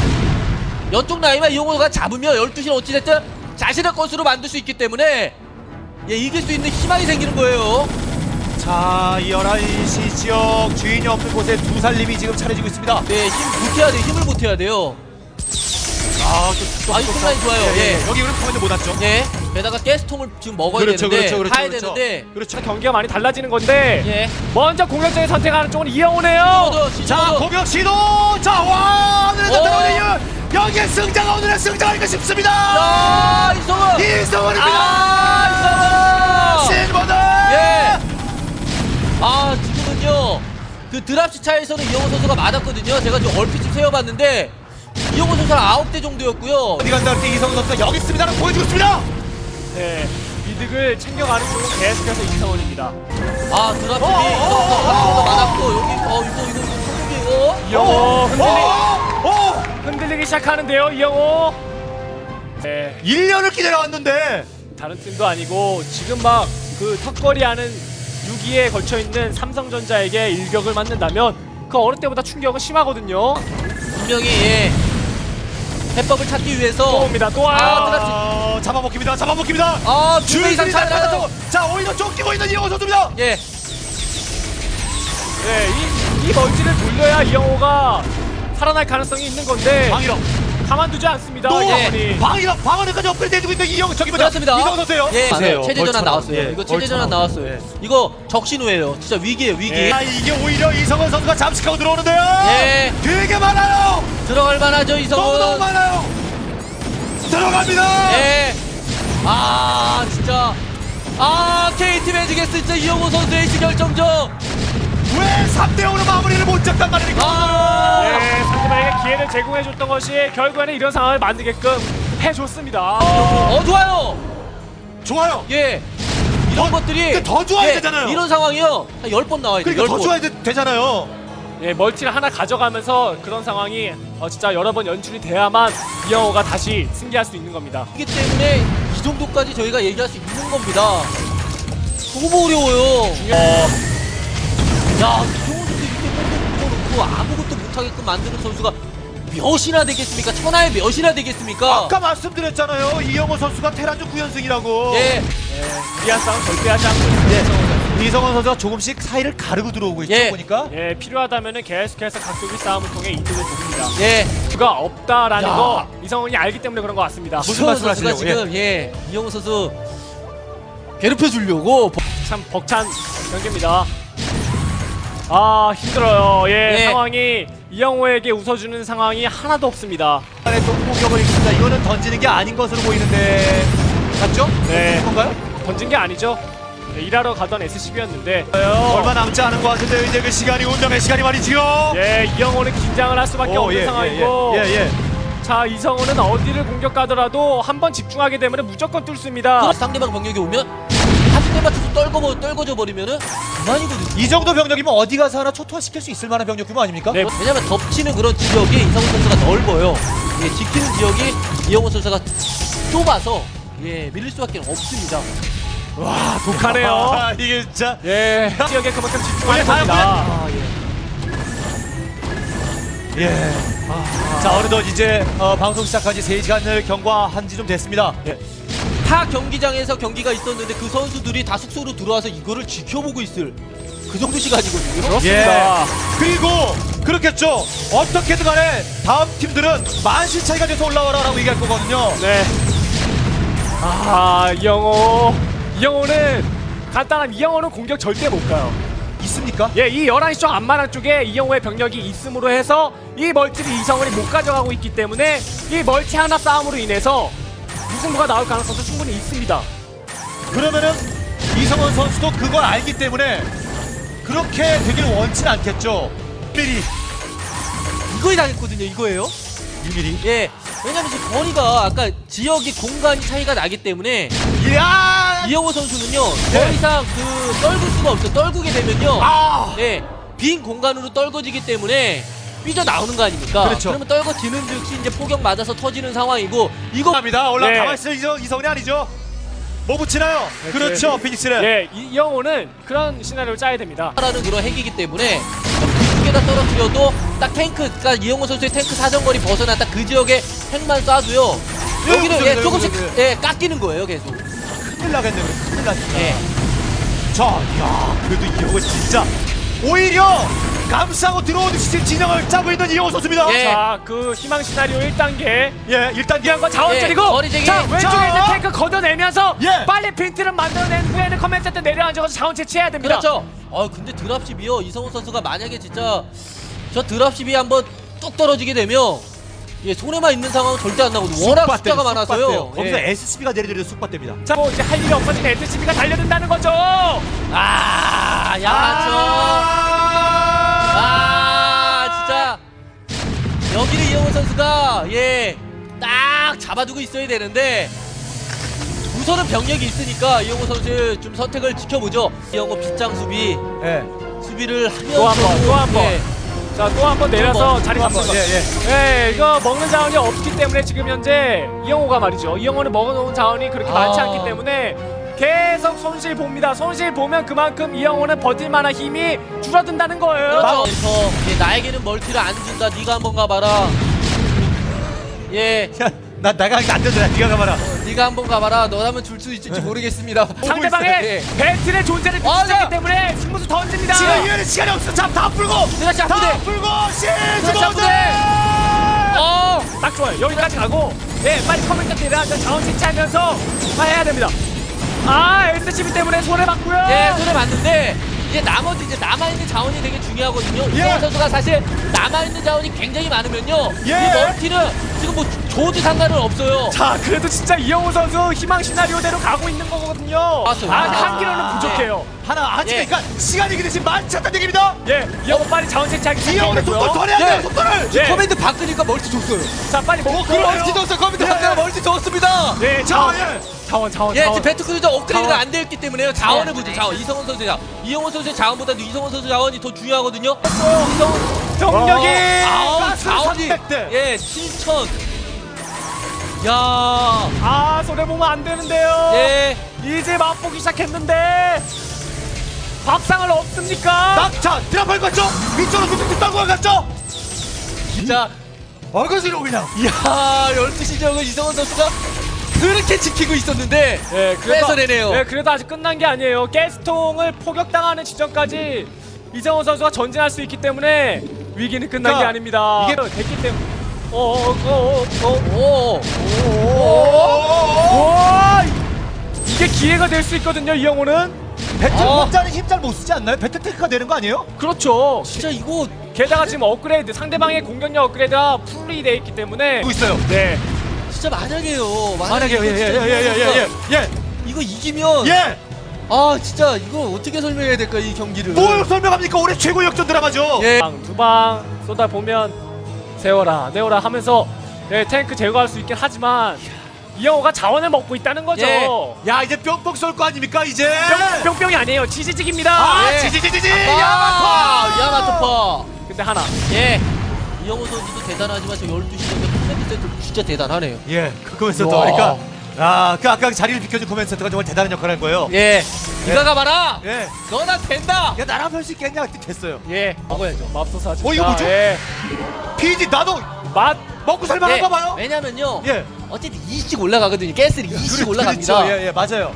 [SPEAKER 4] 이쪽 라인만 이영호가 잡으면 열두 시는 어찌됐든 자신의 것으로 만들 수 있기 때문에 예, 이길 수 있는 희망이 생기는 거예요.
[SPEAKER 2] 자, 이 열한 시 지역 주인이 없는 곳에 두 살림이 지금 차려지고 있습니다.
[SPEAKER 4] 네, 힘 보태야 돼요. 힘을 보태야 돼요.
[SPEAKER 2] 아, 또,
[SPEAKER 4] 아, 이쪽 라인 좋아요.
[SPEAKER 2] 예, 예.
[SPEAKER 4] 예.
[SPEAKER 2] 여기 그럼 포인트 못 왔죠?
[SPEAKER 4] 예. 게다가 가스통을 지금 먹어야
[SPEAKER 2] 그렇죠,
[SPEAKER 4] 되는데,
[SPEAKER 2] 그렇죠, 그렇죠,
[SPEAKER 4] 타야
[SPEAKER 2] 그렇죠.
[SPEAKER 4] 되는데,
[SPEAKER 2] 그렇죠.
[SPEAKER 3] 경기가 많이 달라지는 건데
[SPEAKER 4] 예.
[SPEAKER 3] 먼저 공격적인 선택하는 쪽은 이영호네요.
[SPEAKER 4] 시도도,
[SPEAKER 2] 자,
[SPEAKER 4] 시도도.
[SPEAKER 2] 공격 시도! 자, 와! 오늘의
[SPEAKER 4] 어.
[SPEAKER 2] 들어오는 이유! 여기에 승자가 오늘의 승자가 아닐까 싶습니다!
[SPEAKER 4] 야, 이성훈!
[SPEAKER 2] 이성훈입니다!
[SPEAKER 4] 아, 이성훈!
[SPEAKER 2] 실버드!
[SPEAKER 4] 예. 아, 지금은요. 그 드랍시 차에서는 이영호 선수가 맞았거든요. 제가 지금 얼핏 좀 세어봤는데 이영호 선수는 아홉 대 정도였고요.
[SPEAKER 2] 어디 간다 할 때 이성훈 선수가 여기 있습니다라고 보여주고 있습니다!
[SPEAKER 3] 네, 이득을 챙겨가는 쪽은 계속해서 이성원입니다.
[SPEAKER 4] 아, 드랍시
[SPEAKER 2] 어,
[SPEAKER 4] 이성호
[SPEAKER 2] 어,
[SPEAKER 4] 선수가
[SPEAKER 2] 어,
[SPEAKER 4] 맞았고 여기 어 이거 이거 이거 소금이 어?
[SPEAKER 3] 이영호 흔들리,
[SPEAKER 2] 어! 어!
[SPEAKER 3] 흔들리기 시작하는데요, 이영호. 네,
[SPEAKER 2] 일 년을 기다려왔는데
[SPEAKER 3] 다른 팀도 아니고 지금 막 그 턱걸이하는 육 위에 걸쳐 있는 삼성전자에게 일격을 맞는다면 그 어느 때보다 충격은 심하거든요.
[SPEAKER 4] 분명히 예. 해법을 찾기 위해서
[SPEAKER 3] 또 옵니다, 또 와요.
[SPEAKER 4] 아, 드랍시.
[SPEAKER 2] 아, 잡아먹힙니다. 잡아먹힙니다.
[SPEAKER 4] 아, 두 배 이상
[SPEAKER 2] 줄줄이
[SPEAKER 4] 차이 나요.
[SPEAKER 2] 잡아먹고 자, 오히려 쫓기고 있는 이영호 선수입니다.
[SPEAKER 4] 예.
[SPEAKER 3] 네, 이, 이 멀티를 돌려야 이영호가 살아날 가능성이 있는 건데
[SPEAKER 2] 방일업.
[SPEAKER 3] 가만두지 않습니다.
[SPEAKER 2] 또
[SPEAKER 3] 이영호이.
[SPEAKER 2] 방일업. 방어까지 업그레이드 해주고 있는 이영 저기 뭐냐?
[SPEAKER 4] 그렇습니다.
[SPEAKER 2] 이성훈 선수예요.
[SPEAKER 4] 예,
[SPEAKER 2] 보세요.
[SPEAKER 4] 체제 전환
[SPEAKER 2] 벌처럼.
[SPEAKER 4] 나왔어요.
[SPEAKER 2] 예,
[SPEAKER 4] 이거 체제 전환
[SPEAKER 2] 벌처럼.
[SPEAKER 4] 나왔어요.
[SPEAKER 2] 예.
[SPEAKER 4] 이거 적신호예요. 진짜 위기예요, 위기.
[SPEAKER 3] 예.
[SPEAKER 2] 아, 이게 오히려 이성훈 선수가 잠식하고 들어오는데요.
[SPEAKER 4] 예.
[SPEAKER 2] 되게 많아요.
[SPEAKER 4] 들어갈 만하죠, 이성훈.
[SPEAKER 2] 너무너무 많아요. 들어갑니다.
[SPEAKER 4] 예. 아, 진짜. 아, 케이티 매직에스 진짜 이영호 선수 에이스 결정전.
[SPEAKER 2] 왜 삼 대 오로 마무리를 못 잡단 말입니까?
[SPEAKER 4] 아.
[SPEAKER 3] 네, 상대방에게 기회를 제공해줬던 것이 결국에는 이런 상황을 만들게끔 해줬습니다.
[SPEAKER 4] 어, 좋아요.
[SPEAKER 2] 좋아요.
[SPEAKER 4] 예. 이런
[SPEAKER 2] 더-
[SPEAKER 4] 것들이
[SPEAKER 2] 그러니까 더 좋아야
[SPEAKER 4] 예,
[SPEAKER 2] 되잖아요.
[SPEAKER 4] 이런 상황이요. 한 열 번 나와야 돼요.
[SPEAKER 2] 그러니까
[SPEAKER 4] 열
[SPEAKER 2] 더
[SPEAKER 4] 번.
[SPEAKER 2] 줘야 되, 되잖아요.
[SPEAKER 3] 예, 멀티를 하나 가져가면서 그런 상황이 어, 진짜 여러 번 연출이 돼야만 이영호가 다시 승리할 수 있는 겁니다.
[SPEAKER 4] 이기 때문에 이 정도까지 저희가 얘기할 수 있는 겁니다. 너무 어려워요. 야, 이영호 선수 이렇게 뽑아놓고 아무것도 못하게끔 만드는 선수가 몇이나 되겠습니까? 천하에 몇이나 되겠습니까?
[SPEAKER 2] 아까 말씀드렸잖아요. 이영호 선수가 테란주 구 연승이라고.
[SPEAKER 4] 예.
[SPEAKER 3] 무리한 싸움 절대 하지 않고 있습니다.
[SPEAKER 2] 예. 이성훈 선수가 조금씩 사이를 가르고 들어오고 있죠.
[SPEAKER 4] 예.
[SPEAKER 2] 보니까.
[SPEAKER 3] 예, 필요하다면은 계속해서 각도기 싸움을 통해 이득을 보입니다.
[SPEAKER 4] 예.
[SPEAKER 3] 그가 없다라는
[SPEAKER 2] 야.
[SPEAKER 3] 거 이성훈이 알기 때문에 그런 것 같습니다.
[SPEAKER 2] 무슨
[SPEAKER 4] 이영호 선수가
[SPEAKER 2] 말씀하시려고,
[SPEAKER 4] 지금 예. 이영호 선수 괴롭혀 주려고
[SPEAKER 3] 참 벅찬 경기입니다. 아, 힘들어요. 예,
[SPEAKER 4] 예.
[SPEAKER 3] 상황이 이영호에게 웃어주는 상황이 하나도 없습니다.
[SPEAKER 2] 안에 또 공격을 입습니다. 이거는 던지는 게 아닌 것으로 보이는데 맞죠?
[SPEAKER 3] 네.
[SPEAKER 2] 뭔가요?
[SPEAKER 3] 던진 게 아니죠. 네, 일하러 가던 에스씨비였는데
[SPEAKER 2] 얼마 남지 않은 것 같은데 이제 그 시간이 운명의 시간이 말이지요.
[SPEAKER 3] 예, 이영호는 긴장을 할 수밖에
[SPEAKER 2] 오,
[SPEAKER 3] 없는
[SPEAKER 2] 예,
[SPEAKER 3] 상황이고
[SPEAKER 2] 예, 예, 예.
[SPEAKER 3] 자, 이성호는 어디를 공격하더라도 한 번 집중하게 되면 무조건 뚫습니다.
[SPEAKER 4] 상대방 병력이 오면 한 대 맞춰서 떨궈 떨궈져 버리면은 그만이거든요.
[SPEAKER 2] 이 정도 병력이면 어디 가서 하나 초토화시킬 수 있을 만한 병력 규모 아닙니까?
[SPEAKER 3] 네.
[SPEAKER 4] 왜냐면 덮치는 그런 지역이 이성훈 선수가 넓어요. 예, 지키는 지역이 이영호 선수가 좁아서 예, 밀릴 수밖에 없습니다.
[SPEAKER 3] 와, 독하네요.
[SPEAKER 2] 아, 이게 진짜.
[SPEAKER 3] 예, 지역에 그만큼 집중하는
[SPEAKER 2] 올려,
[SPEAKER 3] 겁니다.
[SPEAKER 4] 아, 예.
[SPEAKER 2] 예. 자, 어느덧 이제 어, 방송 시작한 지 세 시간을 경과한 지 좀 됐습니다. 예.
[SPEAKER 4] 타 경기장에서 경기가 있었는데 그 선수들이 다 숙소로 들어와서 이거를 지켜보고 있을 그 정도 시간이거든요.
[SPEAKER 3] 그렇습니다.
[SPEAKER 2] 예. 그리고 그렇겠죠. 어떻게든 간에 다음 팀들은 만신 차이가 돼서 올라와라라고 얘기할 거거든요.
[SPEAKER 3] 네. 아, 이영호. 이영호는 간단한 이영호는 공격 절대 못 가요.
[SPEAKER 2] 있습니까?
[SPEAKER 3] 예, 이 열한 시 쪽 앞마당 쪽에 이영호의 병력이 있음으로 해서 이 멀티를 이성훈이 못 가져가고 있기 때문에 이 멀티 하나 싸움으로 인해서 무승부가 나올 가능성도 충분히 있습니다.
[SPEAKER 2] 그러면은 이성원 선수도 그걸 알기 때문에 그렇게 되길 원치 않겠죠. 미리
[SPEAKER 4] 이거에 당했거든요. 이거예요.
[SPEAKER 2] 일 미리.
[SPEAKER 4] 예. 왜냐면 지금 거리가 아까 지역이 공간이 차이가 나기 때문에
[SPEAKER 2] 이야!
[SPEAKER 4] 이영호 선수는요
[SPEAKER 2] 예.
[SPEAKER 4] 더 이상 그 떨굴 수가 없어. 떨구게 되면요.
[SPEAKER 2] 아!
[SPEAKER 4] 예. 빈 공간으로 떨궈지기 때문에 삐져 나오는 거 아닙니까?
[SPEAKER 2] 그렇죠.
[SPEAKER 4] 그러면 떨궈지는 즉시 이제 포격 맞아서 터지는 상황이고 이거
[SPEAKER 2] 갑니다. 올라
[SPEAKER 3] 네.
[SPEAKER 2] 가만 있어 이성 이성이 아니죠. 뭐 붙이나요? 그렇죠. 피닉스는.
[SPEAKER 3] 예, 이- 이영호는 그런 시나리오를 짜야 됩니다.
[SPEAKER 4] 라는 그런 핵이기 때문에 두 개 다 떨어뜨려도 딱 탱크, 그러니까 이영호 선수의 탱크 사정거리 벗어나 딱 그 지역에 핵만 쏴도요. 여기는
[SPEAKER 2] 그죠,
[SPEAKER 4] 예,
[SPEAKER 2] 그죠,
[SPEAKER 4] 조금씩
[SPEAKER 2] 그죠,
[SPEAKER 4] 예, 깎이는 거예요, 계속.
[SPEAKER 2] 큰일 나겠네. 그래. 큰일 나겠다.
[SPEAKER 4] 예.
[SPEAKER 2] 자, 야, 그래도 이거 진짜 오히려 감싸고 들어오듯이 진영을 짜고 있는 이영호 선수입니다.
[SPEAKER 4] 예.
[SPEAKER 3] 자, 그 희망 시나리오 일 단계.
[SPEAKER 2] 예, 일단
[SPEAKER 3] 중요한 건 자원
[SPEAKER 4] 예,
[SPEAKER 3] 줄이고.
[SPEAKER 4] 거리제기.
[SPEAKER 3] 자, 왼쪽에
[SPEAKER 2] 자.
[SPEAKER 3] 있는 탱크 걷어내면서
[SPEAKER 2] 예.
[SPEAKER 3] 빨리 빈트를 만들어낸 후에는 커맨 센터 내려앉아서 자원 채취해야 됩니다.
[SPEAKER 4] 그렇죠. 어 근데 드랍십이요. 이성훈 선수가 만약에 진짜 저 드랍십이 한번 뚝 떨어지게 되면 예, 손에만 있는 상황은 절대 안 나거든요. 워낙 숫자가 많아서요.
[SPEAKER 2] 거기서
[SPEAKER 4] 예.
[SPEAKER 2] 에스씨비가 내려드려 쑥밭됩니다.
[SPEAKER 3] 자, 뭐 이제 할 일이 없어진 에스씨비가 달려든다는 거죠.
[SPEAKER 4] 아, 야죠. 아, 진짜 여기를 이영호 선수가 예, 딱 잡아두고 있어야 되는데 우선은 병력이 있으니까 이영호 선수 좀 선택을 지켜보죠. 이영호 빗장 수비
[SPEAKER 2] 예.
[SPEAKER 4] 수비를 하면서
[SPEAKER 3] 또 한 번, 또 한 번.
[SPEAKER 4] 예.
[SPEAKER 3] 자, 또 한 번 내려서
[SPEAKER 4] 번,
[SPEAKER 3] 자리
[SPEAKER 2] 또 한 번,
[SPEAKER 3] 잡습니다.
[SPEAKER 2] 예,
[SPEAKER 3] 예, 이거 먹는 자원이 없기 때문에 지금 현재 이영호가 말이죠. 이영호는 먹어놓은 자원이 그렇게
[SPEAKER 4] 아.
[SPEAKER 3] 많지 않기 때문에 계속 손실 봅니다. 손실 보면 그만큼 이영호는 버틸 만한 힘이 줄어든다는 거예요.
[SPEAKER 4] 그렇죠. 그래서 예, 나에게는 멀티를 안 준다. 네가 한번 가봐라. 예,
[SPEAKER 2] 야, 나 나가 안 되더라. 네가 가봐라.
[SPEAKER 4] 네가 한번 가봐라. 너라면 줄 수 있을지 모르겠습니다.
[SPEAKER 3] 상대방의
[SPEAKER 4] 예.
[SPEAKER 3] 벨트의 존재를
[SPEAKER 4] 맞아.
[SPEAKER 3] 비추기 때문에 승부수 던집니다.
[SPEAKER 2] 지금 이에는 시간이 없어. 잡다 풀고.
[SPEAKER 4] 내가
[SPEAKER 2] 다
[SPEAKER 4] 잡부대.
[SPEAKER 2] 풀고 시즈
[SPEAKER 4] 내가
[SPEAKER 2] 모드.
[SPEAKER 4] 어,
[SPEAKER 3] 딱 좋아요. 여기까지 가고, 네, 빨리 커맨드 내려앉아 자원 채취하면서 다 해야 됩니다. 아, 에스씨비 때문에 손해 봤고요.
[SPEAKER 4] 예, 손에 맞는데 이제 나머지 이제 남아있는 자원이 되게 중요하거든요.
[SPEAKER 2] 예.
[SPEAKER 4] 이성훈 선수가 사실 남아있는 자원이 굉장히 많으면요.
[SPEAKER 2] 예.
[SPEAKER 4] 이 멀티는 지금 뭐 줘도 상관은 없어요.
[SPEAKER 3] 자, 그래도 진짜 이영호 선수 희망 시나리오대로 가고 있는 거거든요.
[SPEAKER 4] 맞아요.
[SPEAKER 3] 아,
[SPEAKER 4] 아.
[SPEAKER 3] 한 기로는 부족해요.
[SPEAKER 2] 하나 아직
[SPEAKER 4] 예.
[SPEAKER 2] 그러니까 시간이 그대신 많지 않다는 얘기입니다.
[SPEAKER 3] 예, 이영호 빨리 자원 채취하기
[SPEAKER 2] 이영호는
[SPEAKER 3] 시작했고요.
[SPEAKER 2] 속도 더 내야 돼요.
[SPEAKER 4] 예.
[SPEAKER 2] 속도를.
[SPEAKER 3] 예.
[SPEAKER 4] 커맨드 바꾸니까 멀티 줬어요.
[SPEAKER 3] 자, 빨리 먹고.
[SPEAKER 4] 멀티 줬어요. 커맨드 바꾸니까 멀티 줬습니다.
[SPEAKER 3] 네,
[SPEAKER 2] 자,
[SPEAKER 3] 자원,
[SPEAKER 2] 예.
[SPEAKER 3] 자원, 자원,
[SPEAKER 4] 예,
[SPEAKER 3] 자원.
[SPEAKER 4] 지금 배트크루저 업그레이드가
[SPEAKER 3] 자원.
[SPEAKER 4] 안 되어 있기 때문에요. 자원을 보죠. 자원. 이성훈 선수의 자원. 이영호 선수의 자원보다도 이성훈 선수 자원이 더 중요하거든요. 이성훈
[SPEAKER 3] 정력이.
[SPEAKER 4] 아우,
[SPEAKER 2] 가스
[SPEAKER 4] 자원이
[SPEAKER 2] 삼백 대.
[SPEAKER 4] 예, 칠천. 야,
[SPEAKER 3] 아, 손해 보면 안 되는데요.
[SPEAKER 4] 예.
[SPEAKER 3] 이제 맛보기 시작했는데 밥상을 없습니까?
[SPEAKER 2] 낙차 드랍할 것 같죠? 위쪽으로 뚝뚝뚝 따고 갔죠?
[SPEAKER 4] 진짜
[SPEAKER 2] 얼거지로 그냥.
[SPEAKER 4] 야, 열두 시 지역을 이성훈 선수가 그렇게 지키고 있었는데
[SPEAKER 3] 예,
[SPEAKER 4] 뺏어내네요.
[SPEAKER 3] 예, 그래도 아직 끝난 게 아니에요. 가스통을 포격당하는 지점까지 이정호 선수가 전진할 수 있기 때문에 위기는 끝난
[SPEAKER 2] 그러니까
[SPEAKER 3] 게 아닙니다.
[SPEAKER 2] 이게-
[SPEAKER 3] 됐기 때문에. 어어어어
[SPEAKER 4] 오,
[SPEAKER 3] 와, 이게 기회가 될 수 있거든요. 이영호는.
[SPEAKER 2] 배틀
[SPEAKER 4] 어.
[SPEAKER 2] 혼자는 힘 잘 못 쓰지 않나요? 배틀 테크가 되는 거 아니에요?
[SPEAKER 3] 그렇죠.
[SPEAKER 4] 진짜 이거
[SPEAKER 3] 게다가 지금 업그레이드 상대방의 공격력 업그레이드가 풀이 돼 있기 때문에.
[SPEAKER 2] 하고 있어요.
[SPEAKER 3] 네.
[SPEAKER 4] 진짜 만약에요.
[SPEAKER 2] 만약에
[SPEAKER 4] 이거 진짜 이성훈 선수가
[SPEAKER 2] 예예예예예
[SPEAKER 4] 이거 이기면
[SPEAKER 2] 예.
[SPEAKER 4] 아 진짜 이거 어떻게 설명해야 될까 이 경기를.
[SPEAKER 2] 뭘 설명합니까? 올해 최고 역전 드라마죠.
[SPEAKER 4] 예.
[SPEAKER 3] 두 방 쏟아 보면 세워라 내워라 하면서 예, 탱크 제거할 수 있긴 하지만 이영호가 자원을 먹고 있다는 거죠.
[SPEAKER 4] 예.
[SPEAKER 2] 야 이제 뿅뿅 쏠 거 아닙니까 이제?
[SPEAKER 3] 뿅, 뿅뿅이 아니에요. 지지직입니다.
[SPEAKER 2] 아
[SPEAKER 4] 예.
[SPEAKER 2] 지지지지지
[SPEAKER 4] 아,
[SPEAKER 2] 야마토.
[SPEAKER 4] 야마토파.
[SPEAKER 3] 근데 하나.
[SPEAKER 4] 예. 이영호 선수도 대단하지만 저 열두 시 정도 커맨드 센터 진짜 대단하네요.
[SPEAKER 2] 예, 그 코멘트
[SPEAKER 3] 우와.
[SPEAKER 2] 하니까 아, 그 아까 자리를 비켜준 코멘트 센터가 정말 대단한 역할을 한 거예요.
[SPEAKER 4] 예. 네가 가봐라.
[SPEAKER 2] 예.
[SPEAKER 4] 너나 된다.
[SPEAKER 2] 야 나랑 할 수 있겠냐? 그때 됐어요.
[SPEAKER 3] 예.
[SPEAKER 4] 먹어야죠.
[SPEAKER 3] 맙소사 진짜.
[SPEAKER 2] 어, 이거 뭐죠?
[SPEAKER 3] 예.
[SPEAKER 2] 피지 나도
[SPEAKER 3] 맛.
[SPEAKER 2] 먹고 살만한가
[SPEAKER 4] 예.
[SPEAKER 2] 봐요.
[SPEAKER 4] 왜냐면요.
[SPEAKER 2] 예.
[SPEAKER 4] 어쨌든 이씩 올라가거든요. 가스를 이씩
[SPEAKER 2] 그렇-
[SPEAKER 4] 올라갑니다.
[SPEAKER 2] 그렇죠. 예, 예, 맞아요.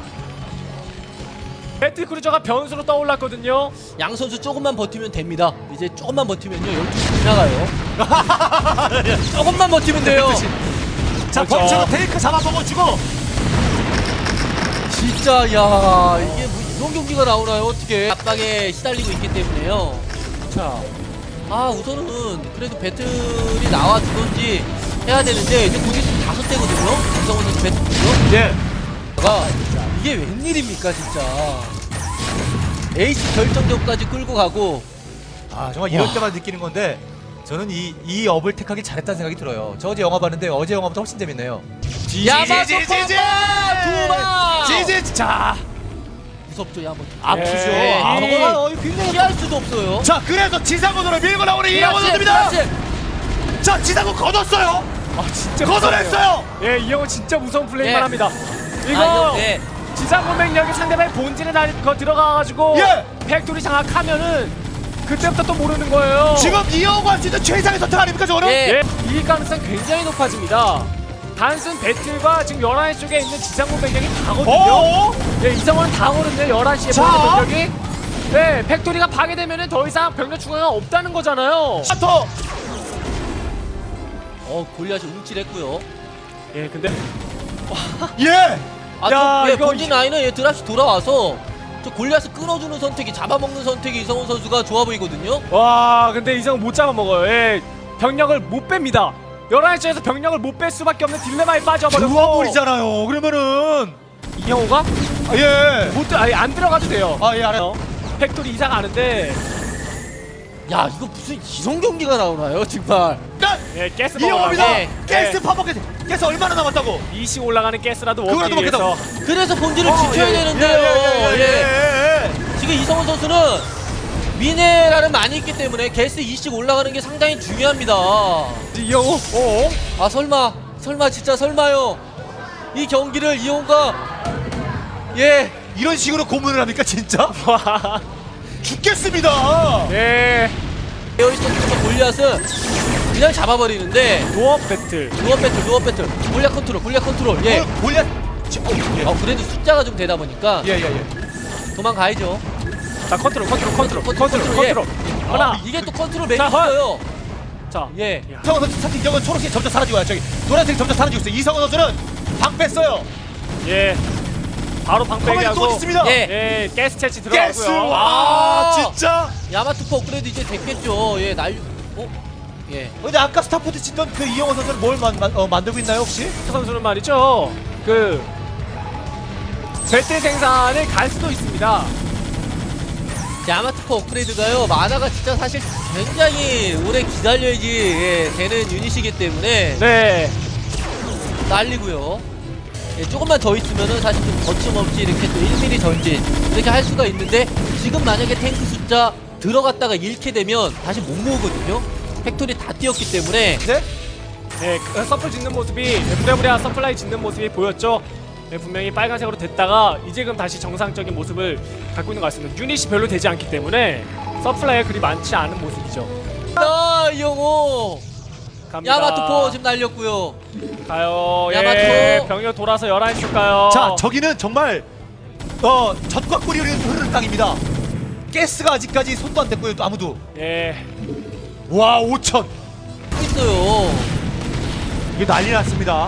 [SPEAKER 3] 배틀 크루저가 변수로 떠올랐거든요.
[SPEAKER 4] 양 선수 조금만 버티면 됩니다. 이제 조금만 버티면요. 열두 시 지나가요. 조금만 버티면 돼요.
[SPEAKER 2] 자,
[SPEAKER 3] 그렇죠.
[SPEAKER 2] 범처럼 테이크 잡아 먹어주고.
[SPEAKER 4] 진짜 야 이게 뭐 이런 경기가 나오나요? 어떻게 압박에 시달리고 있기 때문에요.
[SPEAKER 3] 자.
[SPEAKER 4] 아 우선은 그래도 배틀이 나와주던지 해야 되는데 이제 곧 있으면 다섯 대거든요. 김성훈 선수 배틀이요.
[SPEAKER 2] 예.
[SPEAKER 4] 가 이게 웬일입니까 진짜. 에이스 결정전까지 끌고 가고.
[SPEAKER 2] 아 정말 이럴
[SPEAKER 4] 와.
[SPEAKER 2] 때만 느끼는 건데 저는 이, 이 업을 택하기 잘했다는 생각이 들어요. 저 어제 영화 봤는데 어제 영화보다 훨씬 재밌네요.
[SPEAKER 4] 야마토파 두방
[SPEAKER 2] 지지 자
[SPEAKER 4] 무섭죠 야마토.
[SPEAKER 2] 아프죠.
[SPEAKER 3] 예.
[SPEAKER 2] 아,
[SPEAKER 3] 이-
[SPEAKER 2] 저거는 어, 굉장히
[SPEAKER 4] 피할 수도 없어요.
[SPEAKER 2] 자 그래서 지상군으로 밀고 나오는 이영호 선수입니다.
[SPEAKER 4] 그렇지.
[SPEAKER 2] 자 지상군 걷었어요.
[SPEAKER 3] 아 진짜
[SPEAKER 2] 걷어냈어요.
[SPEAKER 3] 무섭네요. 예, 이영호 진짜 무서운 플레이만
[SPEAKER 4] 예.
[SPEAKER 3] 합니다.
[SPEAKER 4] 아,
[SPEAKER 3] 이거
[SPEAKER 4] 네.
[SPEAKER 3] 지상 공백력이 상대방의 본진에 다 거 들어가가지고
[SPEAKER 2] 예.
[SPEAKER 3] 팩토리 장악하면은 그때부터 또 모르는 거예요.
[SPEAKER 2] 지금 이영호 할 수 있는 최상의 선택 아닙니까 저거는?
[SPEAKER 4] 예.
[SPEAKER 3] 예, 이익 가능성 굉장히 높아집니다. 단순 배틀과 지금 열한 시 쪽에 있는 지상 공백력이 다거든요.
[SPEAKER 2] 어?
[SPEAKER 3] 예, 이성원은 다 오는데 열한 시에
[SPEAKER 2] 자.
[SPEAKER 3] 보는 병력이 네, 팩토리가 파괴되면은 더 이상 병력 추가가 없다는 거잖아요.
[SPEAKER 2] 더.
[SPEAKER 4] 어 골리앗이 움찔했고요.
[SPEAKER 3] 예, 근데
[SPEAKER 2] 예.
[SPEAKER 4] 아,
[SPEAKER 2] 야,
[SPEAKER 4] 저, 예,
[SPEAKER 2] 이거
[SPEAKER 4] 본진 라인은 예, 드랍시 돌아와서 저 골리앗을 끊어주는 선택이 잡아먹는 선택이 이성훈 선수가 좋아 보이거든요.
[SPEAKER 3] 와, 근데 이성 못 잡아먹어요. 예, 병력을 못 뺍니다. 열한 시에서 병력을 못 뺄 수밖에 없는 딜레마에 빠져버렸고.
[SPEAKER 2] 좋아버리잖아요. 그러면은
[SPEAKER 3] 이영호가
[SPEAKER 2] 아, 예.
[SPEAKER 3] 못 들- 아니, 안 들어가도 돼요.
[SPEAKER 2] 아, 예, 알아요.
[SPEAKER 3] 팩토리 이상 아는데
[SPEAKER 4] 야 이거 무슨 이성 경기가 나오나요 정말.
[SPEAKER 3] 예, 가스
[SPEAKER 2] 이영호입니다.
[SPEAKER 3] 먹으라고.
[SPEAKER 2] 가스
[SPEAKER 3] 예,
[SPEAKER 2] 파먹게. 가스 얼마나 남았다고?
[SPEAKER 3] 이시 올라가는 가스라도
[SPEAKER 2] 그거라도
[SPEAKER 3] 먹기 위해서.
[SPEAKER 4] 그래서 본질을
[SPEAKER 2] 어,
[SPEAKER 4] 지켜야
[SPEAKER 2] 예,
[SPEAKER 4] 되는데요.
[SPEAKER 2] 예, 예, 예, 예, 예.
[SPEAKER 4] 지금 이성훈 선수는 미네랄은 많이 있기 때문에 게스 이씩 올라가는 게 상당히 중요합니다.
[SPEAKER 3] 이영호, 어?
[SPEAKER 4] 아 설마 설마 진짜 설마요. 이 경기를 이용과 예
[SPEAKER 2] 이런 식으로 고문을 합니까 진짜?
[SPEAKER 3] 와,
[SPEAKER 2] 죽겠습니다.
[SPEAKER 3] 예,
[SPEAKER 4] 에어리스톤부터 골리앗은 그냥 잡아버리는데
[SPEAKER 3] 노업 배틀.
[SPEAKER 4] 루어 배틀 루어 배틀 골리앗 컨트롤 골리앗 컨트롤 예.
[SPEAKER 2] 어, 골리앗. 지- 어, 예.
[SPEAKER 4] 어 그래도 숫자가 좀 되다 보니까
[SPEAKER 2] 예, 예, 예.
[SPEAKER 4] 도망가야죠.
[SPEAKER 3] 자, 컨트롤, 컨트롤, 컨트롤,
[SPEAKER 4] 컨트롤,
[SPEAKER 3] 컨트롤,
[SPEAKER 4] 컨트롤, 예.
[SPEAKER 3] 컨트롤. 하나.
[SPEAKER 4] 아, 이게 또 컨트롤 맥이
[SPEAKER 3] 자, 헐.
[SPEAKER 4] 있어요.
[SPEAKER 3] 자,
[SPEAKER 4] 예.
[SPEAKER 2] 이성원 선수 사실 이건 초록색 점점 사라지고요. 저기 노란색 점점 사라지고 있어요. 이성원 선수는 방 뺐어요.
[SPEAKER 3] 예, 바로 방패기
[SPEAKER 2] 가만히 또
[SPEAKER 3] 하고.
[SPEAKER 2] 있습니다.
[SPEAKER 4] 예.
[SPEAKER 3] 예, 가스 채취
[SPEAKER 2] 가스.
[SPEAKER 3] 들어가고요.
[SPEAKER 2] 와,
[SPEAKER 4] 아.
[SPEAKER 2] 진짜.
[SPEAKER 4] 야마투포 업그레이드 이제 됐겠죠. 예, 날 어? 예.
[SPEAKER 2] 근데 아까 스타포트 짓던 그 이영호 선수는 뭘 만, 만, 어, 만들고 있나요 혹시?
[SPEAKER 3] 선수는 말이죠. 그 배틀 생산을 갈 수도 있습니다.
[SPEAKER 4] 야마투포 업그레이드가요. 만화가 진짜 사실 굉장히 오래 기다려야지 예, 되는 유닛이기 때문에
[SPEAKER 3] 네,
[SPEAKER 4] 날리고요. 예, 조금만 더 있으면은 사실 좀 거침없이 이렇게 또 일 밀리미터 전진 이렇게 할 수가 있는데 지금 만약에 탱크 숫자 들어갔다가 잃게 되면 다시 못 모으거든요. 팩토리 다 뛰었기 때문에
[SPEAKER 2] 네?
[SPEAKER 3] 네, 그 서플 짓는 모습이 부랴부랴 서플라이 짓는 모습이 보였죠. 네, 분명히 빨간색으로 됐다가 이제금 다시 정상적인 모습을 갖고 있는 것 같습니다. 유닛이 별로 되지 않기 때문에 서플라이가 그리 많지 않은 모습이죠.
[SPEAKER 4] 아 이영호
[SPEAKER 3] 갑니다.
[SPEAKER 4] 야마투포 지금 날렸고요.
[SPEAKER 3] 가요. 예,
[SPEAKER 4] 야마토.
[SPEAKER 3] 병력 돌아서 열한 시 가요.
[SPEAKER 2] 자, 저기는 정말 어 젖과 꿀이 흐르는 땅입니다. 가스가 아직까지 손도 안 댔고요. 또 아무도.
[SPEAKER 3] 예,
[SPEAKER 2] 와, 오천.
[SPEAKER 4] 있어요.
[SPEAKER 2] 이게 난리 났습니다.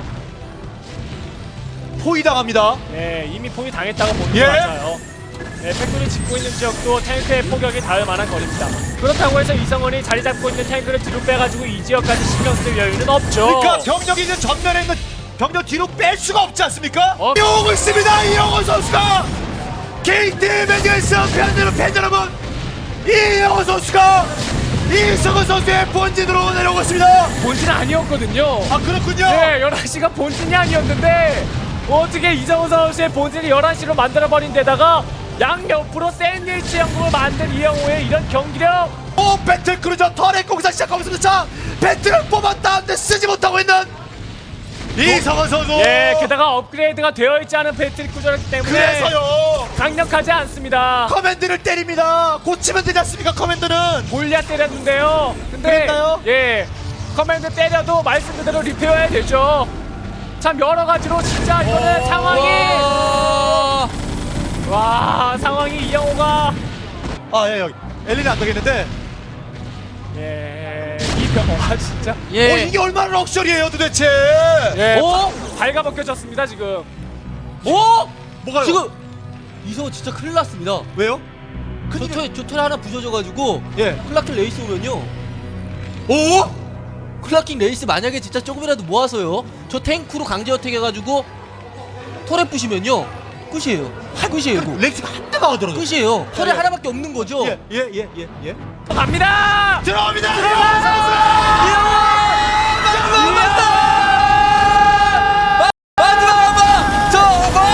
[SPEAKER 2] 포위 당합니다.
[SPEAKER 3] 예, 이미 포위 당했다고 보는
[SPEAKER 2] 예.
[SPEAKER 3] 것 같아요. 예, 팩토리 짓고 있는 지역도 탱크의 포격이 닿을 만한 거리입니다. 그렇다고 해서 이성원이 자리 잡고 있는 탱크를 뒤로 빼가지고 이 지역까지 신경 쓸 여유는 없죠.
[SPEAKER 2] 그러니까 병력이 있는 전면에 있는 병력 뒤로 뺄 수가 없지 않습니까?
[SPEAKER 3] 어.
[SPEAKER 2] 이용호 있습니다. 이용호 선수가 케이티 매니에서 팬여러분 팬 여러분 이용호 선수가 이성훈 선수의 본진으로 내려오고 있습니다.
[SPEAKER 3] 본진은 아니었거든요.
[SPEAKER 2] 아, 그렇군요.
[SPEAKER 3] 네, 열한 시가 본진이 아니었는데 어떻게 이정우 선수의 본진을 열한 시로 만들어버린 데다가 양옆으로 샌드위치 형국을 만든 이영호의 이런 경기력.
[SPEAKER 2] 오, 배틀 크루저 터렛 공사 시작하면서 자 배틀을 뽑았다는데 쓰지 못하고 있는 이성훈 선수.
[SPEAKER 3] 예, 게다가 업그레이드가 되어 있지 않은 배틀 구조였기 때문에
[SPEAKER 2] 그래서요
[SPEAKER 3] 강력하지 않습니다.
[SPEAKER 2] 커맨드를 때립니다. 고치면 되지 않습니까? 커맨드는
[SPEAKER 3] 골리앗 때렸는데요. 근데
[SPEAKER 2] 그랬나요?
[SPEAKER 3] 예, 커맨드 때려도 말씀 그대로 리페어해야 되죠. 참 여러 가지로 진짜 이거는
[SPEAKER 2] 오.
[SPEAKER 3] 상황이
[SPEAKER 4] 와.
[SPEAKER 3] 와 상황이 이영호가
[SPEAKER 2] 아, 예, 여기 엘리는 안 되겠는데.
[SPEAKER 3] 예, 이병호가 진짜
[SPEAKER 4] 예.
[SPEAKER 2] 어, 이게 얼마나 럭셔리해요 도대체.
[SPEAKER 3] 예,
[SPEAKER 4] 어?
[SPEAKER 3] 발가벗겨졌습니다 지금.
[SPEAKER 4] 어?
[SPEAKER 2] 뭐가요?
[SPEAKER 4] 지금 이성훈 진짜 큰일 났습니다.
[SPEAKER 2] 왜요? 큰일.
[SPEAKER 4] 조털 조털 하나 부서져가지고
[SPEAKER 2] 예.
[SPEAKER 4] 클라킹 레이스 오면요.
[SPEAKER 2] 오?
[SPEAKER 4] 클라킹 레이스 만약에 진짜 조금이라도 모아서요. 저 탱크로 강제 어택 해가지고 털에 부시면요. 끝이에요. 끝이에요. 이거.
[SPEAKER 2] 렉스가 한 대가 하더라도.
[SPEAKER 4] 끝이에요. 털에
[SPEAKER 2] 예.
[SPEAKER 4] 하나밖에 없는 거죠.
[SPEAKER 2] 예, 예, 예, 예, 예.
[SPEAKER 3] 갑니다.
[SPEAKER 2] 들어옵니다.
[SPEAKER 4] 마지막 한번 저거.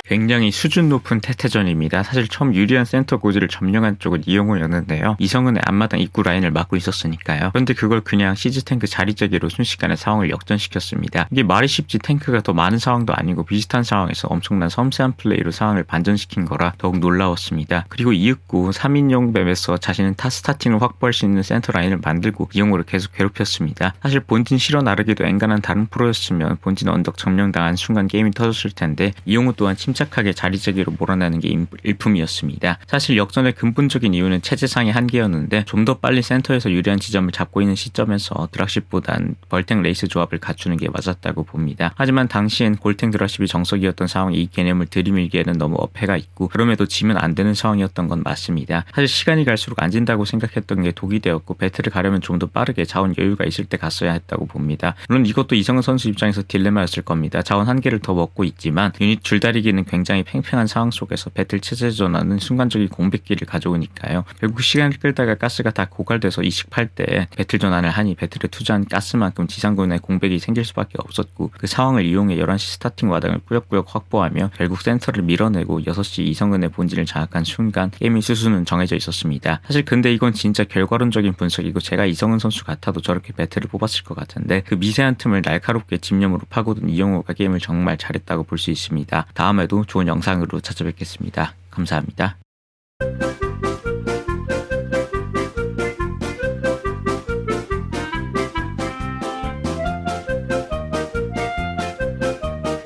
[SPEAKER 1] 굉장히 수준 높은 태태전입니다. 사실 처음 유리한 센터 고지를 점령한 쪽은 이영호였는데요. 이성은의 앞마당 입구 라인을 막고 있었으니까요. 그런데 그걸 그냥 시즈 탱크 자리재기로 순식간에 상황을 역전시켰습니다. 이게 말이 쉽지 탱크가 더 많은 상황도 아니고 비슷한 상황에서 엄청난 섬세한 플레이로 상황을 반전시킨 거라 더욱 놀라웠습니다. 그리고 이윽고 삼 인용 맵에서 자신은 타 스타팅을 확보할 수 있는 센터 라인을 만들고 이영호를 계속 괴롭혔습니다. 사실 본진 실어 나르기도 앵간한 다른 프로였으면 본진 언덕 점령당한 순간 게임이 터졌을 텐데 이영호 또한 침착하게 자리재기로 몰아내는 게 일품이었습니다. 사실 역전의 근본적인 이유는 체제상의 한계였는데 좀 더 빨리 센터에서 유리한 지점을 잡고 있는 시점에서 드락십보단 벌탱 레이스 조합을 갖추는 게 맞았다고 봅니다. 하지만 당시엔 골탱 드락십이 정석이었던 상황에 이 개념을 들이밀기에는 너무 어폐가 있고 그럼에도 지면 안 되는 상황이었던 건 맞습니다. 사실 시간이 갈수록 안 진다고 생각했던 게 독이 되었고 배틀을 가려면 좀 더 빠르게 자원 여유가 있을 때 갔어야 했다고 봅니다. 물론 이것도 이성은 선수 입장에서 딜레마였을 겁니다. 자원 한 개를 더 먹고 있지만 유닛 줄다리기는 굉장히 팽팽한 상황 속에서 배틀 체제 전환은 순간적인 공백기를 가져오니까요. 결국 시간을 끌다가 가스가 다 고갈돼서 이식팔 때 배틀 전환을 하니 배틀에 투자한 가스만큼 지상군에 공백이 생길 수밖에 없었고 그 상황을 이용해 열한 시 스타팅 와당을 꾸역꾸역 확보하며 결국 센터를 밀어내고 여섯 시 이성은의 본진을 장악한 순간 게임의 수순은 정해져 있었습니다. 사실 근데 이건 진짜 결과론적인 분석이고 제가 이성은 선수 같아도 저렇게 배틀을 뽑았을 것 같은데 그 미세한 틈을 날카롭게 집념으로 파고든 이영호가 게임을 정말 잘했다고 볼 수 있습니다. 다음에도 좋은 영상으로 찾아뵙겠습니다. 감사합니다.